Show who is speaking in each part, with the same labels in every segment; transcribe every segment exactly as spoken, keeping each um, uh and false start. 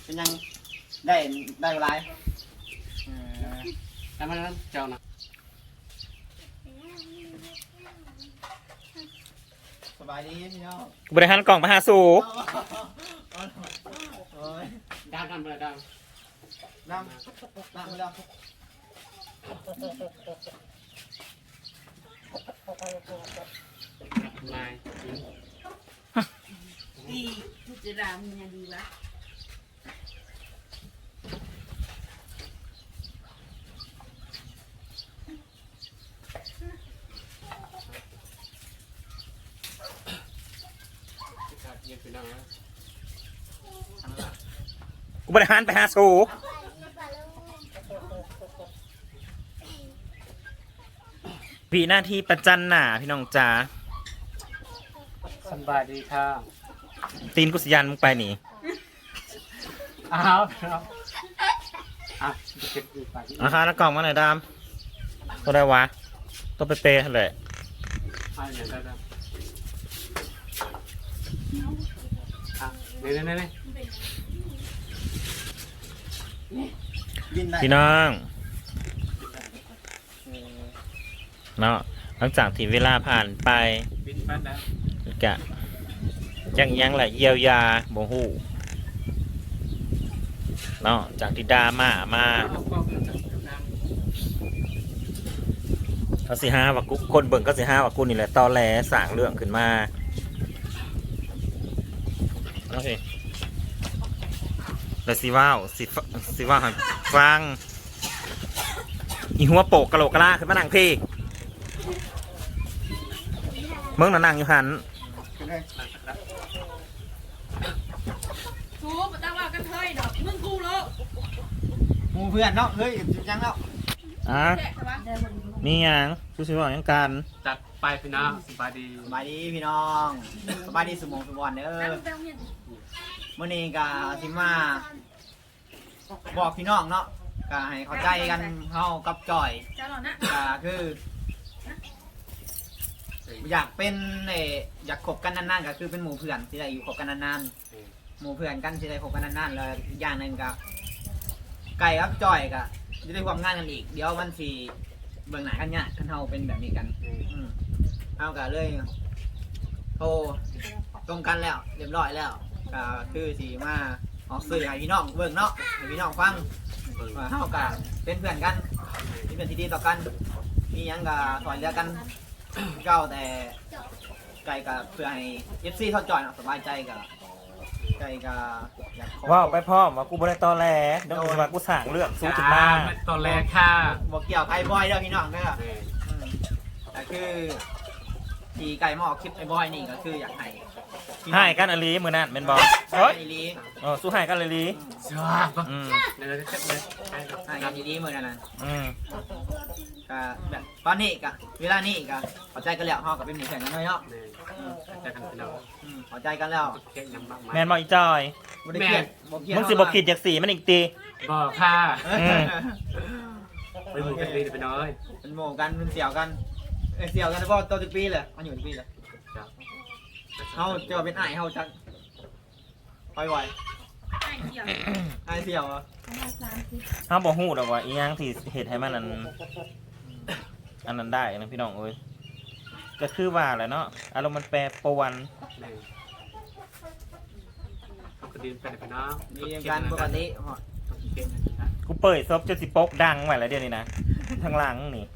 Speaker 1: เป็นยังได้ได้เวลาเออ
Speaker 2: แต่มันเจ้านะ
Speaker 1: สบายดีพี่น้อง
Speaker 3: บริหารกล่องมาหาสู่
Speaker 1: โอ้ย
Speaker 2: ดาวทำอะไรดาว
Speaker 1: นั่งนั่งไปแล้ว
Speaker 2: นาย
Speaker 4: ดีทุจรามันยังดีวะ
Speaker 2: เย็นไปน้อง
Speaker 3: กูบริหารไปหาสู่พี่หน้าที่ประจันหน้าพี่น้องจ๋า
Speaker 2: สบายดีค่ะ
Speaker 3: ตีนกุศยันมึงไปหนี
Speaker 2: อ้าวครับอ่ะเก็บอีกไป
Speaker 3: อาคาแล้วกล่องมาหน่อยดามตัวได้วะตัวเป๊ะๆเลย
Speaker 2: อ่ะอย่างนั้นนะอ่ะเนี่ยเนี่ยเนี่ย
Speaker 1: บินได้
Speaker 3: พี่น้องเนาะหลังจากที่เวลาผ่านไป
Speaker 2: บินปั้นแล้ว
Speaker 3: กะยังยังแหละเยียวยาบ่ฮู้เนาะจากที่ดราม่ามาเขาสิห้าว่ากูคนเบิ่งก็สิห้าว่ากูนี่แหละตอแหลสร้างเรื่องขึ้นมาเอาสิแล้วสิว่าวสิฟสิว่าวให้ฟังอีหัวโปกกะโหลกกะลาขึ้นมานั่งพี่เมืองน่ะนั่งอยู่หัน
Speaker 1: ขึ้นเลย
Speaker 4: ทูบตั้งว่ากันเทยดอกมึงกูโล
Speaker 1: หมูเพื่อนเนาะเฮ้ยยังแล้ว
Speaker 3: อ่ะ
Speaker 4: แจ๊ะวะ
Speaker 3: มีหยังชูสิว่าหยังกัน
Speaker 2: จัดไปพี่น้องสบายดี
Speaker 1: สบายดีพี่น้องสบายดีสมองสมบัติเด้อ
Speaker 4: ตั้งแต่เฮียน
Speaker 1: มื่อนี้ก็สิมาบอกพี่น้องเนาะก็ให้เข้าใจกันเฮากับจอย
Speaker 4: เจ้าหล่อนะ
Speaker 1: ก็คือ อยากเป็นเอออยากคบกันนานๆก็คือเป็นหมู่เพื่อนที่ได้อยู่คบกันนานๆหมู่เพื่อนกันที่ได้คบกันนานๆแล้วอีกอย่างหนึ่งก็ไก่กับจอยก็จะได้ความงานกันอีกเดี๋ยวมันสิเบื้องหน้ากันเนี่ยกันเฮาเป็นแบบนี้กันอืมเอาก็เลยโทรตรงกันแล้วเรียบร้อยแล้วก็คือสิมาออกสื่อให้พี่น้องเบิ่งเนาะให้พี่น้องฟังว่าเฮาก็เป็นเพื่อนกันมีเพื่อนที่ดีต่อกันมีหยังก็สอนเหลือกันเก่าแต่ไก่ก็เพื่อให้ เอฟ ซี เขาจอยเนาะสบายใจก็ไก่ก็อยากขอ
Speaker 3: ว่าไปพร้อมว่ากูบ่ได้ตอแหลเดี๋ยวกูสิว่ากูสร้างเรื่องสู้ขึ้นมา
Speaker 2: ตอนแรกค่ะ
Speaker 1: บอกเกี่ยวไอ้บอยเด้อพี่น้องเด้ออืมแต่คือที่ไก่มาออกคลิปไอ้บอยนี่ก็คืออยากให้พี่น้อง
Speaker 3: ให้กันอลีมือนั่นเป็นบอล
Speaker 1: ให้
Speaker 3: เฮ้ย
Speaker 1: ดี
Speaker 3: เออสู้ให้กันเลยลี
Speaker 2: ชอบ
Speaker 3: อืม
Speaker 2: เดี๋ยวจะเช็คเลย
Speaker 1: ให้กันดีๆเหมือนกันนะ
Speaker 3: อืม
Speaker 1: ก็แบบตอนนี้ก็เวลานี้ก็พอใจกันแล้วเฮาก็เป็นหมู่แข่งกันเลยเนาะ
Speaker 2: เนี่ยจะกันพี่น้อง
Speaker 1: อืมพอใจกันแล้ว
Speaker 2: เช็คยังบ้างไหม
Speaker 3: แมนบอลอีจอย
Speaker 1: บ่ได้เกลียดบ่เกลียด
Speaker 3: มึงสิบอกขีดจากสีมันอีกตี
Speaker 2: บอกค่ะ
Speaker 3: อืม
Speaker 2: ไปหมู่กันดีไปน้อย
Speaker 1: เป็นหมู่กันเป็นเสี่ยวกันเอ้ยเสี่ยวกันแล้วก็ตัวสิบปีเลยมันอยู่สิบปีเลยเฮาเจอเป็นอ้ายเฮาจักไปไหว
Speaker 4: ไอ้เหี้ย
Speaker 1: อ้ายเสี่ยวอ่ะ
Speaker 3: เขาบอกฮู้ดอกว่าอีหยังที่เหตุให้มันอันอันนั้นได้นะพี่น้องเอ้ยก็คือว่าแหละเนาะอารมณ์มันแปรปรวน
Speaker 2: เอากระดิ่งไปไปน้อง
Speaker 1: มีกันปกติ
Speaker 3: กูเปิดซบจนสิโป๊กดังไว้แล้วเดี๋ยวนี้นะทางหลังนี่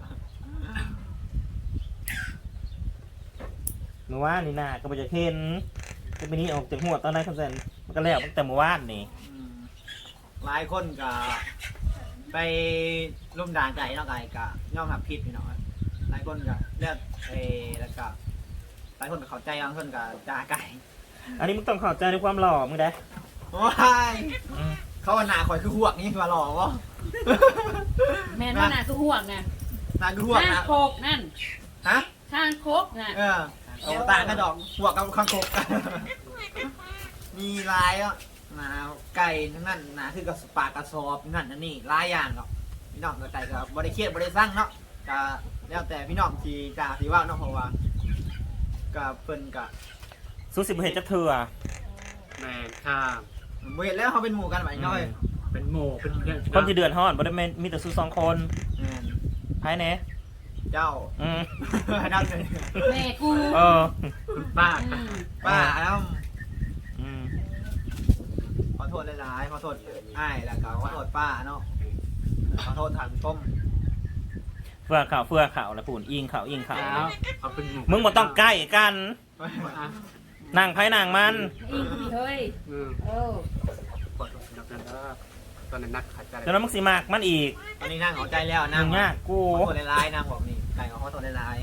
Speaker 3: เมื่อวานนี่นะก็บ่จะเห็นก็ไปนี้ออกจากหัวตอนนั้นคำแสนมันก็แล้วตั้งแต่เมื่อวานนี่
Speaker 1: อืมหลายคนก็ไปร่มด่างไก่เนาะไก่ก็ย่อมหับผิดพี่น้องหลายคนก็เลือกเออแล้วก็หลายคนก็เข้าใจบางคนก็จ่าไก่
Speaker 3: อันนี้มึงต้องเข้าใจในความหล่อมึงได้
Speaker 1: โอ้ย
Speaker 3: อืม
Speaker 1: เขาว่าหนาข่อยคือห่วงนี่มาหลอกวะ
Speaker 4: แม่นว่าน่ะคือห่วงน่ะ
Speaker 1: หนาคือห่วง
Speaker 4: ข้าง
Speaker 1: นะ
Speaker 4: โคกนั่น
Speaker 1: ฮะ
Speaker 4: ข้างโคกน่ะ
Speaker 1: เออเอาต่างกันดอกห่วงกับข้างคก มีลายอ่ะหนาไก่ทั้งนั้นหนาคือกับปากกระสอบนั่นนั่นนี่ลายอย่างหรอกพี่น้องกับไก่กับบริเครียดบริสั่งเนาะก็แล้วแต่พี่น้องที่กาที่ว่าเนาะเพราะว่ากับเพิ่นกับ
Speaker 3: สู้สิบเหตุจะเถื่อ
Speaker 2: แมนค่ะ
Speaker 1: บ่เห็นแล้วเขาเป็นหมู่กันไปน้อย
Speaker 2: เป็นหมู่เป็นเพื่อน
Speaker 3: คนที่เดือดร้อนบ่ได้แม่นมีแต่สู้สองคน
Speaker 1: แม่น
Speaker 3: ภายใน
Speaker 1: เจ้า
Speaker 3: อืม
Speaker 1: นั่นเลย
Speaker 4: แม่กู
Speaker 3: เออ
Speaker 2: คุณป้า
Speaker 4: อืม
Speaker 1: ป้าแล้ว
Speaker 3: อืม
Speaker 1: ขอโทษหลายๆขอโทษอ้ายแล้วก็ขอโทษป้าเนาะขอโทษท่านผู้ชม
Speaker 3: เฟื่อข่าวเฟื่อข่าวแล้วปุ่นอิงข่าวอิงข่าว
Speaker 2: เอาเอาเป็นหมู่
Speaker 3: มึงบ่ต้องใกล้กัน
Speaker 2: อ่ะ
Speaker 3: นั่งไผนั่งมัน
Speaker 4: อีกเฮ้ย
Speaker 2: อืม
Speaker 4: เออก
Speaker 2: ดนับนั้นแล้วตอนนั้นนักขาดใจ
Speaker 3: แล้วนั้นมึงสิมากมันอีก
Speaker 1: ตอนนี้นั่งเอาใจแล้วนั่
Speaker 3: มึ
Speaker 1: ง
Speaker 3: งยากกู
Speaker 1: ขอโทษหลายๆนั่งบอกนี่ไก่ขอโทษหลาย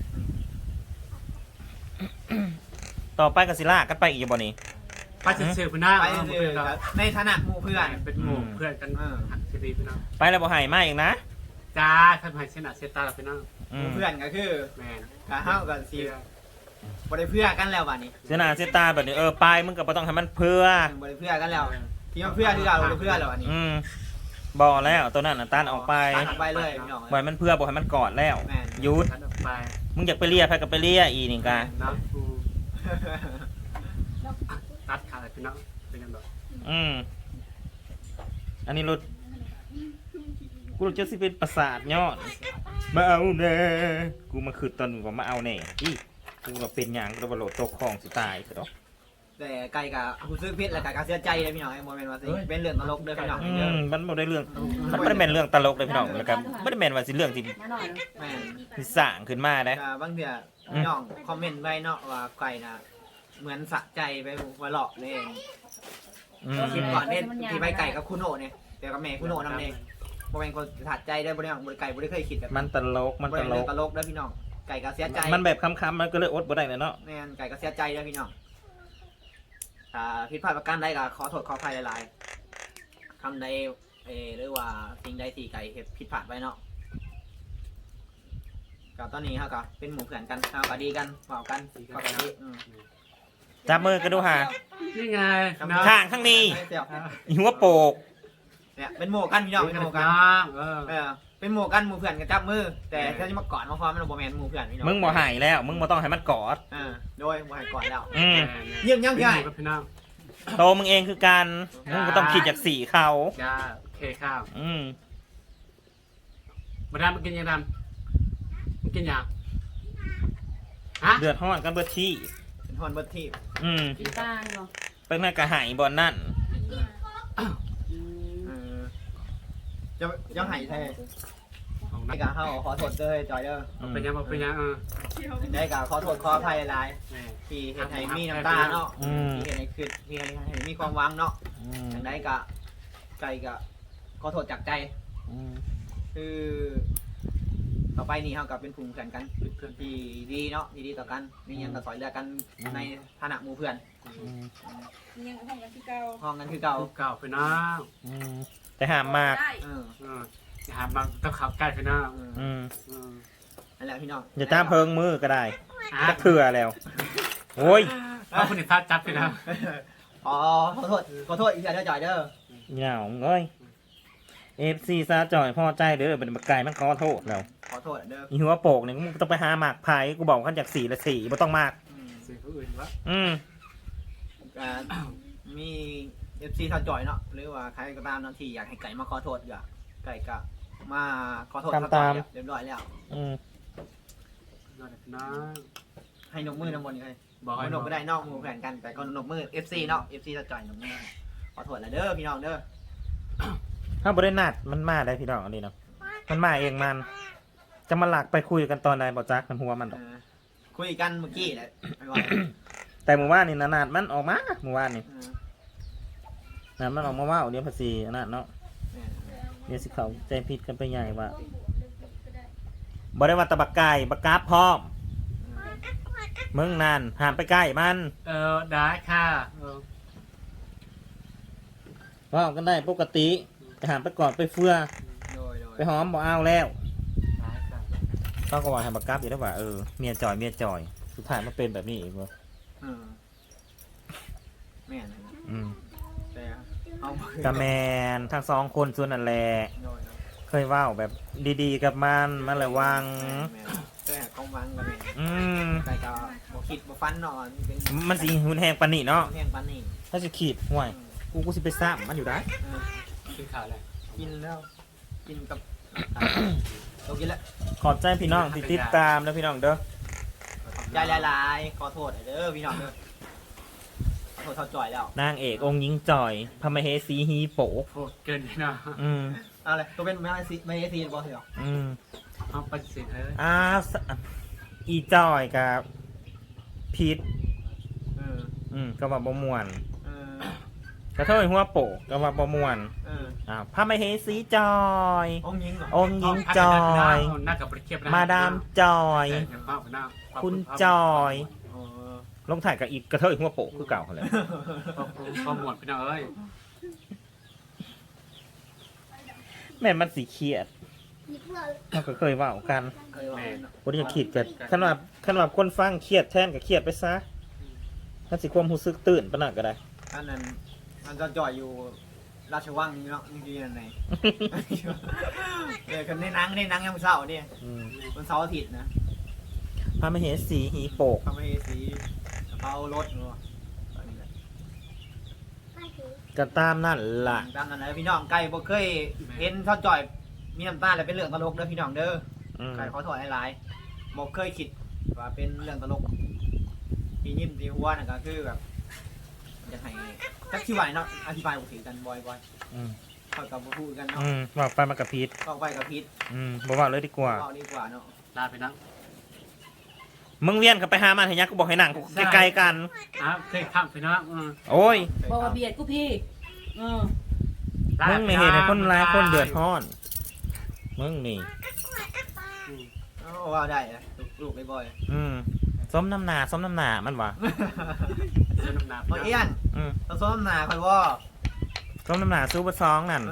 Speaker 3: ต่อไปก็สิลากกันไปอีกบ่นี่
Speaker 2: ป้าจะเชื่อคุณหน้า
Speaker 1: ๆไป
Speaker 2: เอา
Speaker 1: เรื่
Speaker 2: เพื่
Speaker 1: อ
Speaker 2: อน
Speaker 1: ย
Speaker 2: เรา
Speaker 1: ๆในฐานะหมู่เพื่อน
Speaker 2: เป็นหมู่เพื่อนกัน
Speaker 1: เออ
Speaker 2: หักชีวิตพี่น้อง
Speaker 3: ไปแล้วบ่ให้มาอีกนะ
Speaker 2: จ้าทำให้เส้นหนาเส้นตาเราพี่น้อง
Speaker 1: ห
Speaker 3: อื
Speaker 1: มู่
Speaker 3: ม
Speaker 1: เพื่อนก็คือ
Speaker 2: แม่น
Speaker 1: กะเฮากับสิบ่ได้เพื่อกันแล้วบัดนี้
Speaker 3: เสียหน้าเสียตาแบบนี้เออไปมึงก็บ่ต้องให้มันเพื่อ
Speaker 1: บ่ได้เพื่อกันแล้วที่มาเพื่อคือเราบ่ได้เพื่อแล้วอันนี้
Speaker 3: อืมบ่แล้วตัวนั้นน่ะตันออกไป
Speaker 1: ตัดออกไปเลยพี่น้อง
Speaker 3: บ่ให้มันเพื่อบ่ให้มันกอดแล้ว
Speaker 1: แม่น
Speaker 3: หยุด
Speaker 2: ทันออกไป
Speaker 3: มึงอยากไปเลียไปก็ไปเลียอีนี่กะ
Speaker 2: น้ำกูตัดขาดพี่น้องเป็นยังไง
Speaker 3: อืมอันนี้รถกูรู้จะสิเป็นประสาทยอดมาเอาแน่กูมาคือตอนว่ามาเอาแน่อีกูว่าเป็นหยังกูว่าโหลดตกคลองสิตายซะดอก
Speaker 1: แต่ไก่กับผู้ซื้อพิษแล้วก็เสียใจเลยพี่น้องไอ้โมเมนต์ว่าสิเป็นเรื่องตลกเด้อพี่น้อง
Speaker 3: อื
Speaker 1: เด้อ
Speaker 3: มมันบ่ได้เรื่องมันบ่ได้แม่นเรื่องตลกเลยพี่น้องแล้วก็บ่ได้แม่นว่าสิเรื่องที่
Speaker 4: มาหน่อย
Speaker 1: แม่น
Speaker 3: ที่สร้างขึ้นมาได้
Speaker 1: ก็บางเทื่อพี่น้องคอมเมนต์ไว้เนาะว่าไก่น่ะเหมือนสะใจไปหัวเราะเลยเอง
Speaker 3: อืม
Speaker 1: คลิปก่อนเนี่ยที่ไปไก่กับคุณโอเนี่ยเดี๋ยวกับแม่คุณโอนำเองโมเมนต์คนสะใจได้บ่ได้บ่ได้ไก่บ่ได้เคยคิดแบบ
Speaker 3: มันตลกมันตล
Speaker 1: เรื่อง
Speaker 3: ก
Speaker 1: ตลกเด้อพี่น้องไก่ก็เสียใจ
Speaker 3: มันแบบคำๆมันก็เลยอดบ่ได้เลยเนาะ
Speaker 1: แม่นไก่ก็เสียใจเด้อพี่น้องอ่าผิดพลาดประการใดก็ขอโทษขออภัยหลายๆคำใดเออหรือว่าสิ่งใดที่ไก่เฮ็ดผิดพลาดไว้เนาะก็ตอนนี้เฮาก็เป็นหมู่เพื่อนกันเฮาก็ดีกันเว้ากันก็กันดีอืม
Speaker 3: จับมือกันดูหา
Speaker 2: นี่ไง
Speaker 3: ข้างข้างนี้
Speaker 1: เสี่ยว
Speaker 3: หัวโปก
Speaker 1: เนี่ยเป็นหมู่กันพี่น้อง
Speaker 2: เป็
Speaker 1: เป็น นห
Speaker 2: หมู่
Speaker 1: มู่
Speaker 2: กั
Speaker 1: กัน น
Speaker 2: เออ
Speaker 1: เออเป็นหมู่กันหมู่เพื่อนกันจับมือ แต่ถ้าจะมากอดมาพร้อมมันบ่แม่นหมู่เพื่อนพี่น้อง
Speaker 3: มึงบ่ใหายแล้ว มึงบ่ต้องให้มันกอด
Speaker 1: เออโดยบ่ให้กอดแล้ว
Speaker 3: อืม
Speaker 1: เยี่ยมยัง
Speaker 2: พี่
Speaker 1: พี่ไอ้
Speaker 2: กับพี่น้อง
Speaker 3: โตมึงเองคือการมึงบ่ต้องคิดจากสีเขา
Speaker 2: จ้าโอเคข้าว
Speaker 3: อืม
Speaker 2: มาดามมากินยังดำมากินยังฮะ
Speaker 3: เดือดร้อนกันเบิดที่
Speaker 1: เป็นฮอนเบิดทีบ
Speaker 3: อืม
Speaker 4: กินตาเนาะ
Speaker 3: เป็นแม่กระหายบอลนั่น
Speaker 4: อืม
Speaker 1: เออจะยังให้แท้
Speaker 2: ของ
Speaker 1: ให้
Speaker 2: นัก
Speaker 1: กะเฮาขอโทษเด้อจอยเด้อ
Speaker 2: เป็นยังเป็นยังเออ
Speaker 1: ได้กะขอโทษขออภัยหลาย
Speaker 2: แม่
Speaker 1: ๆที่เฮ็ดให้มีน้ำตาเนาะ
Speaker 3: อืม
Speaker 1: ที่เฮ็ดให้คือที่เฮ็ดให้มีความหวังเนาะ
Speaker 3: อืม
Speaker 1: จังไดกะใจกะขอโทษจากใจ
Speaker 3: อืม
Speaker 1: คือต่อไปนี้เฮากับเป็นกลุ่มเพื่อนกันเป็นเพื่อนที่ดีเนาะที่ดีต่อกันมีหยังก็สอยเหลือกันในฐานะหมู่เพื่อน
Speaker 3: อืม
Speaker 4: ยังห้องกันที่เก่า
Speaker 1: ห้องกันคือเก่า
Speaker 2: เก่าพี่น้อง
Speaker 3: อืมแต่ห้ามมาก
Speaker 4: ได้
Speaker 1: เออ
Speaker 2: เอออย่าหามาต้องขับใกล้พี่น้อง
Speaker 1: เออ
Speaker 3: อืม
Speaker 2: เออ
Speaker 1: นั่นแหละพี่น้อง
Speaker 3: อย่าตามเพิงมือก็ได้
Speaker 2: อ่ะ
Speaker 3: จะเถื่อแล้ว โอ้ย
Speaker 2: เอาคนอื่นพลาดจับพี่น้อง
Speaker 1: อ๋อขอโทษขอโทษอีกอย่างเด้อจอยเด้อ
Speaker 3: เหงาเอ้ยเอฟซีซาจ่อยพ่อใจเด้อเป็นบักไก่มันขอโทษแล้ว
Speaker 1: ขอโทษเด้อ
Speaker 3: อีหัวโปกเนี่ยมึงต้องไปหาหมากไผ่กูบอกขั้นจากสี่ละสี่ไม่ต้องมาก
Speaker 1: อืม
Speaker 2: สิ่งผู้อื่นวะ
Speaker 3: อืม
Speaker 1: อ่ามี เอฟ ซี ท่าจอยเนาะหรือว่าใครก็ตามเนาะที่อยากให้ไก่มาขอโทษก็ไก่ก็มาขอโทษท่าจอยเรียบร้อยแล้ว
Speaker 3: อืม
Speaker 2: นอนพี่น้อง
Speaker 1: ให้นกมือนำบนเลย
Speaker 2: บอก
Speaker 1: ให้
Speaker 2: ให้
Speaker 1: นกก็ได้นอกมือแข่งกันแต่ก็นกมือ เอฟ ซี เนาะ เอฟ ซี ท่าจอยนกมือขอโทษแล้วเด้อพี่น้องเด้อ
Speaker 3: ถ้าบริณัดมันมาได้พี่น้องอันนี้เนาะมันมาเองมัน จะมาหลักไปคุยกันตอนไหนบอกจักมันหัวมันดอก
Speaker 1: เออคุยกันเมื่อกี้แหละไม่ว่า
Speaker 3: แต่หมู่ว่านนี่นานาดมันออกมาหมู่ว่านนี่
Speaker 1: เออ
Speaker 3: นาดมันออกมาว่าเดี๋ยวภาษีอันนั้นเนาะ
Speaker 1: เออ
Speaker 3: เดี๋ยวสิเขาใจผิดกันไปใหญ่ว่าบ่ได้ว่าแตะบักไก่บักกราบพร้อมมึงนั่นห้ามไปใกล้มัน
Speaker 2: เออได้ค่ะเออ
Speaker 3: ว่ากันได้ปกติแต่ห้ามไปกอดไปเฟื่อ
Speaker 1: โดยโดย
Speaker 3: ไปหอมบ่เอาแล้ว
Speaker 2: ได้ค่ะ
Speaker 3: ต้องก็ว่าให้บักกราบอยู่ได้ว่าเออเมียจอยเมียจอยสุดท้ายมันเป็นแบบนี้อีกเว้ย
Speaker 1: เออแม่นนะ
Speaker 3: อืม
Speaker 1: แต่เอา
Speaker 3: กะแมนทั้งสองคนส่วนนั่นแหละ
Speaker 1: โดยโดย
Speaker 3: เคยเว่าแบบดีๆกับมันมันระวัง
Speaker 1: แม่นแต่กองวังกันแม่น
Speaker 3: อืม
Speaker 1: ไก่ก็บ่คิดบ่ฟันเนาะเป็น
Speaker 3: มันสิหุนแหงปานนี่เนาะ
Speaker 1: แห้งปานนี้
Speaker 3: ถ้าจะขีดห่วย
Speaker 1: อืม
Speaker 3: กูกูสิไปซ้ำมันอยู่ได้
Speaker 1: เออ
Speaker 2: กินข้าวเลย
Speaker 1: กินแล้วกินกับเรากินแล้ว
Speaker 3: ขอบใจพี่น้องที่ติดตามนะพี่น้องเด้อ
Speaker 1: ใจหลายๆขอโทษเด้อพี่น้องเด้อขอโทษเท่าจ่อยแล้ว
Speaker 3: นางเอกองค์หญิงจอยพระมเหสีฮีโปะ
Speaker 2: โหเกินไปเนาะ
Speaker 3: อืม
Speaker 1: เอาเลยตัวเป็นไม่ให้ซีไม่ให้ซีบอสเหรอ
Speaker 3: อืม
Speaker 2: เอาปฏิเสธเฮ้ย
Speaker 3: อ้าวสอีจอยกับพีท
Speaker 1: เออ
Speaker 3: อืมก็ว่าบ่ม่วน
Speaker 1: เออก
Speaker 3: ระเทยหัวโปะก็ว่าบ่ม่วน
Speaker 1: เออ
Speaker 3: อ้าวพระมเหสีจอย
Speaker 1: องค์ยิงเหรอ
Speaker 3: องค์หญิงจอย
Speaker 2: หน้ากับเทียบ
Speaker 3: มาดามจอย คุณจอย
Speaker 1: เออ
Speaker 3: ลงถ่ายกับอีกกระเทยหัวโปะคือเก่าเลย
Speaker 2: พอหมดพี่น้องเอ้ย
Speaker 3: แม่นมันสีเครียดเราก็เคยเว่ากัน
Speaker 1: เคยว่าเนาะ
Speaker 3: คนที่จะขีดกันขนาดขนาดคนฟังเครียดแทนก็เครียดไปซะถ้าสิความรู้สึกตื่นปะนักก็ได้
Speaker 1: อันนั้นอันจะจ่อยอยู่ราชวังนี่เนาะจริงๆนั่นไงเออคนในหนังในหนังยังเศร้าเนี่ย
Speaker 3: อืม
Speaker 1: วันเสาร์อาทิตย์นะ
Speaker 3: พระมเหสีฮีโปก
Speaker 1: ทำให้สีกระเป๋ารถเนาะอันนี้แหละ
Speaker 3: ก็ตามนั่นล่ะ
Speaker 1: ตามนั้นนะพี่น้องไก่บ่เคยเห็นทอดจ่อยมีน้ำตาแล้วเป็นเรื่องตลกเด้อพี่น้องเด้อ
Speaker 3: อืม
Speaker 1: ไก่ขอโทษหลายๆบ่เคยคิดว่าเป็นเรื่องตลกที่ยิ้มที่หัวน่ะก็คือแบบจะให้จักที่ไหวเนาะอธิบายบ่ถึงกันบ่อย
Speaker 3: อืม
Speaker 1: ๆค่อยกับบ่พูดกันเนาะ
Speaker 3: อืมบอกไปมากับพีท
Speaker 1: ก็ไปกับพิษ
Speaker 3: อืมบอกว่าเลยดีกว่า
Speaker 1: เว้าดีกว่าเนาะ
Speaker 2: ลาไปนะ
Speaker 3: มึงเวียนกับไปหามันเห็นยังกูบอกให้หนังกูใกล้ๆกัน
Speaker 2: อ้าวเคยข้ามพี่น้องอืม
Speaker 3: โอ้ย
Speaker 4: บอกว่าเบียดกูพี่เออ
Speaker 3: มึงไม่เห็นให้คนร้ายคนเดือดร้อน มึงนี่
Speaker 1: เอ้าว่าได้นะลูกๆบ่อย
Speaker 3: อืมส้มน้ำหนาส้มน้ำหนามันวะ
Speaker 2: เจ้าน้ำหนัก
Speaker 1: ๆบ่เอี้ยน
Speaker 3: อืม
Speaker 1: ต้องซ้อมหน้าค่อยว่า
Speaker 3: ส้มน้ำหนาซูเปอร์ซองนั่น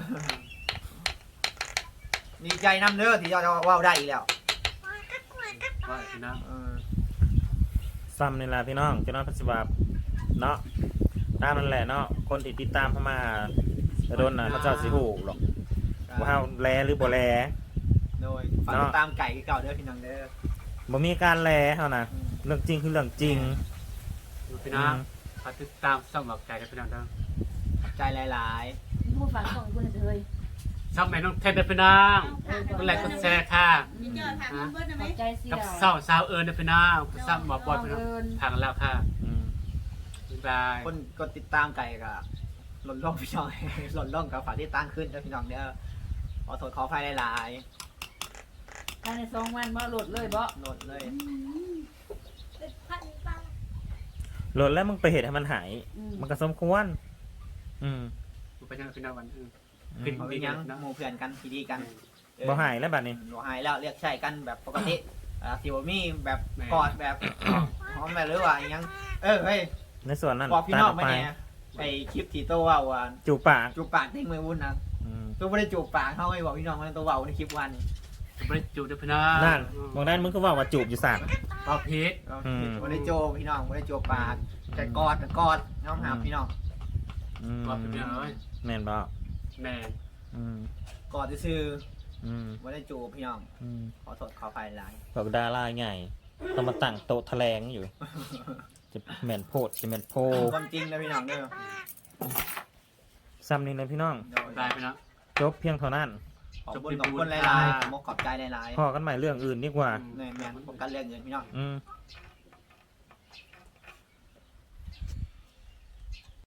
Speaker 1: ดีใจนํเด้อที่จะเว้าได้อีกแล้ว
Speaker 2: ว่าพี่น้อง
Speaker 1: เออ
Speaker 3: ซ้ำนี่ล่ะพี่น้องเจ้าน้องพัชบาเนาะตามนั่นแหละเนาะคนที่ติดตามเข้ามาจะโดนนะเขาเจ้าสิหูหรอกว่าเฮาแลหรือบ่แล
Speaker 1: โดยฝากติดตามไก่คือเก่าเด้อพี่น้องเด้อ
Speaker 3: บ่มีการแลเฮานะ
Speaker 1: อืม
Speaker 3: เรื่องจริงคือเรื่องจริง
Speaker 2: พี่น้องฝากติดตามส่องหลอกใจกันพี่น้องเด้อ
Speaker 1: ใจหลาย
Speaker 4: มึงฟังของกูเลย
Speaker 2: ช่องแม่น้องเทนเด้อพี่น้องกดไลค์กดแชร์ค่ะ
Speaker 5: มีเจอถามเพื่อนไหม
Speaker 4: ใจเสีย
Speaker 2: กับเศร้าสาวเอิญเด้อพี่น้องซ้ำหมอบอลพี่น้องทางแล้วค่ะ
Speaker 3: อืม
Speaker 2: บ๊ายบาย
Speaker 1: ๆคนกดติดตามไก่ก็หล่นล่องพี่น้อง หล่นล่องกับฝากที่ตั้งขึ้นเด้อพี่น้องเด้อขอโทษขออภัยหลาย
Speaker 4: ภายในสองวันมาโหลดเลยบ่
Speaker 1: ๆโหลดเลย
Speaker 3: โหลดแล้วมึงไปเหตุให้มันหาย มันก็สมควร อืม
Speaker 2: ไปยังพี่น้องวันอื่น
Speaker 3: อื
Speaker 2: ขึ้
Speaker 3: ม
Speaker 2: น
Speaker 1: เอาไปยังหมู่เพื่อนกันทีดีกันเออ
Speaker 3: บ่หายแล้วบัดนี้
Speaker 1: บ่หายแล้วเรียกใช้กันแบบปกติอ่าสิบ่มีแบบกอดแบบหอมแบบหรือว่าอิหยังเออเฮ้ย
Speaker 3: ในส่วนนั้น
Speaker 1: บอกพี่
Speaker 3: ตัด
Speaker 1: น้
Speaker 3: อ
Speaker 1: อง
Speaker 3: อก
Speaker 1: ไหม
Speaker 3: ไป
Speaker 1: เนี่ยไอคลิปที่โตวเว่าว่า
Speaker 3: จูบปาก
Speaker 1: จูบปากทิ้งมือวุ้นนะ
Speaker 3: อืม
Speaker 1: ตัวไม่ได้จูบปากเขาไม่บอกพี่น้องว่าตัวเว่าในคลิปวัน
Speaker 2: บริจูเด้อพี่น้อง
Speaker 3: นั่นบอกได้มึงก็ว่าว่าจูบอยู่สาม
Speaker 2: เอาพีช
Speaker 3: อืม
Speaker 1: ไม่ได้โจบพี่น้องไม่ได้จูบปากแต่กอดแต่กอดน้องหาพี่น้อง
Speaker 3: อืม
Speaker 2: บอกพี่น้องเอ้ย
Speaker 3: แม่นบ่
Speaker 2: แม่
Speaker 3: อืม
Speaker 1: กอดซื่อ
Speaker 3: อืม
Speaker 1: ไม่ได้จูบพี่น้อง
Speaker 3: อืม
Speaker 1: ขอโทษขออภัยหลาย
Speaker 3: บอกดาราใหญ่ต้องมาตั้งโต๊ะแถลงอยู่ จะแม่นโพดจะแม่นโพ
Speaker 1: ความจริงนะพี่น้องเด้อ
Speaker 3: ซ้ำนี่เลยพี่น้อง
Speaker 1: โดย
Speaker 2: บายพี่น้อง
Speaker 3: จบเพียงเท่านั้น
Speaker 1: ขอบคุณขอบคุณหลายๆขอบคุณขอบใจหลาย
Speaker 3: พอกันใหม่เรื่องอื่นดีกว่า
Speaker 1: ๆแม่นๆผมกันเรื่องเงินพี่น้อง
Speaker 3: อืม